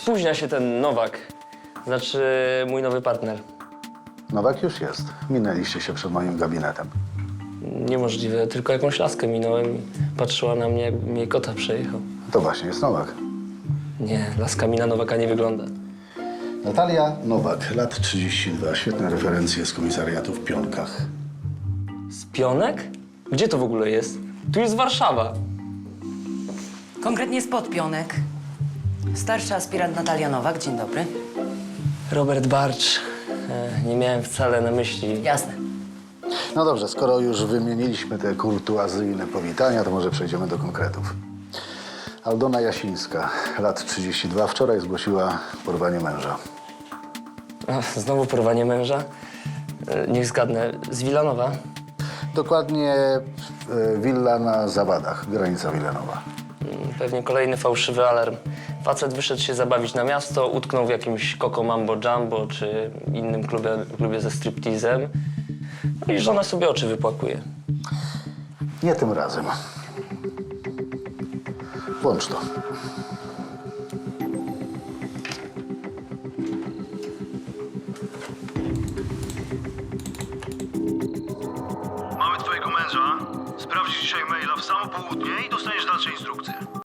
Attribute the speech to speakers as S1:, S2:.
S1: Spóźnia się ten Nowak. Znaczy mój nowy partner.
S2: Nowak już jest. Minęliście się przed moim gabinetem.
S1: Niemożliwe, tylko jakąś laskę minąłem i patrzyła na mnie, jakby jej kota przejechał.
S2: To właśnie jest Nowak.
S1: Nie, laska mi na Nowaka nie wygląda.
S2: Natalia Nowak, lat 32. Świetne referencje z komisariatu w Pionkach.
S1: Z Pionek? Gdzie to w ogóle jest? Tu jest Warszawa.
S3: Konkretnie spod Pionek. Starszy aspirant Natalia Nowak, dzień dobry.
S1: Robert Barcz. Nie miałem wcale na myśli.
S3: Jasne.
S2: No dobrze, skoro już wymieniliśmy te kurtuazyjne powitania, to może przejdziemy do konkretów. Aldona Jasińska, lat 32. Wczoraj zgłosiła porwanie męża.
S1: Znowu porwanie męża? Niech zgadnę. Z Wilanowa?
S2: Dokładnie willa na Zawadach, granica Wilanowa.
S1: Pewnie kolejny fałszywy alarm. Facet wyszedł się zabawić na miasto, utknął w jakimś Coco Mambo Jumbo czy innym klubie ze striptizem. No i żona sobie oczy wypłakuje.
S2: Nie tym razem. Włącz to.
S4: Mamy twojego męża. Sprawdzisz dzisiaj maila w samo południe i dostaniesz dalsze instrukcje.